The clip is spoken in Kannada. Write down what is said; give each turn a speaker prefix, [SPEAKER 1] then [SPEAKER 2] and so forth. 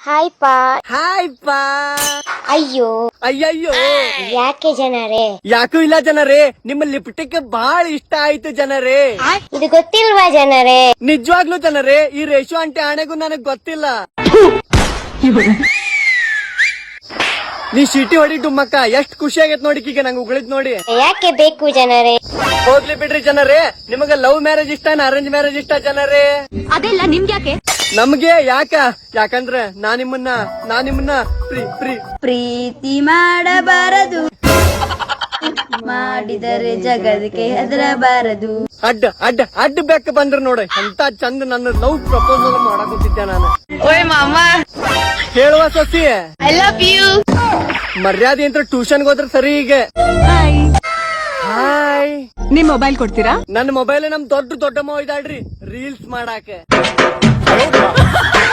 [SPEAKER 1] ಹಾಯ್ ಪಾ.
[SPEAKER 2] ಹಾಯ್ ಪಾ.
[SPEAKER 1] ಅಯ್ಯೋ
[SPEAKER 2] ಅಯ್ಯಯ್ಯೋ,
[SPEAKER 1] ಯಾಕೆ ಜನರೇ?
[SPEAKER 2] ಯಾಕೂ ಇಲ್ಲ ಜನರೇ, ನಿಮ್ಮ ಲಿಪ್ಟಿಕ್ ಬಹಳ ಇಷ್ಟ ಆಯ್ತು ಜನರೇ.
[SPEAKER 1] ಇದು ಗೊತ್ತಿಲ್ವಾ ಜನರೇ?
[SPEAKER 2] ನಿಜವಾಗ್ಲೂ ಜನರೇ, ಈ ರೇಷು ಆಂಟಿ ಆಣೆಗೂ ನನಗ್ ಗೊತ್ತಿಲ್ಲ. ನೀ ಶೀಟಿ ಹೊಡಿ ಡುಮ್ಮಕ್ಕ, ಎಷ್ಟ್ ಖುಷಿ ಆಗೈತ್ ನೋಡಿ ಈಗ ನಂಗೆ ಉಗಳಿದ್ ನೋಡಿ.
[SPEAKER 1] ಯಾಕೆ ಬೇಕು ಜನರೇ?
[SPEAKER 2] ಹೋಗ್ಲಿ ಬಿಡ್ರಿ ಜನರೇ, ನಿಮಗ ಲವ್ ಮ್ಯಾರೇಜ್ ಇಷ್ಟ ಅರೇಂಜ್ ಮ್ಯಾರೇಜ್ ಇಷ್ಟ ಜನರೇ?
[SPEAKER 3] ಅದೆಲ್ಲ ನಿಮ್ಗ್ಯಾಕೆ?
[SPEAKER 2] ನಮ್ಗೆ ಯಾಕಂದ್ರೆ ನಾ ನಿಮ್ಮನ್ನ
[SPEAKER 3] ಪ್ರೀತಿ ಮಾಡಬಾರದು, ಮಾಡಿದರೆ ಜಗದಕ್ಕೆ ಹೆದರಬಾರದು.
[SPEAKER 2] ಅಡ್ಡ ಬೆಕ್ಕ ಬಂದ್ರ ನೋಡ ಎಂತ ಚಂದ ನನ್ನ ಲವ್ ಪ್ರಪೋಸಲ್ ಮಾಡಕೊತಿದ್ದೆ ನಾನು.
[SPEAKER 3] ಓಯ್ ಮಾಮ,
[SPEAKER 2] ಹೇಳುವ ಸೊಸಿ,
[SPEAKER 3] ಐ ಲವ್ ಯು.
[SPEAKER 2] ಮರ್ಯಾದೆ ಅಂತ ಟ್ಯೂಷನ್ಗೆ ಹೋದ್ರೆ ಸರಿ. ಈಗ ಹಾಯ್,
[SPEAKER 4] ನಿಮ್ ಮೊಬೈಲ್ ಕೊಡ್ತೀರಾ?
[SPEAKER 2] ನನ್ನ ಮೊಬೈಲ್ ನಮ್ ದೊಡ್ಡಮ್ಮ ಇದಾಳ್ರಿ ರೀಲ್ಸ್ ಮಾಡಾಕ.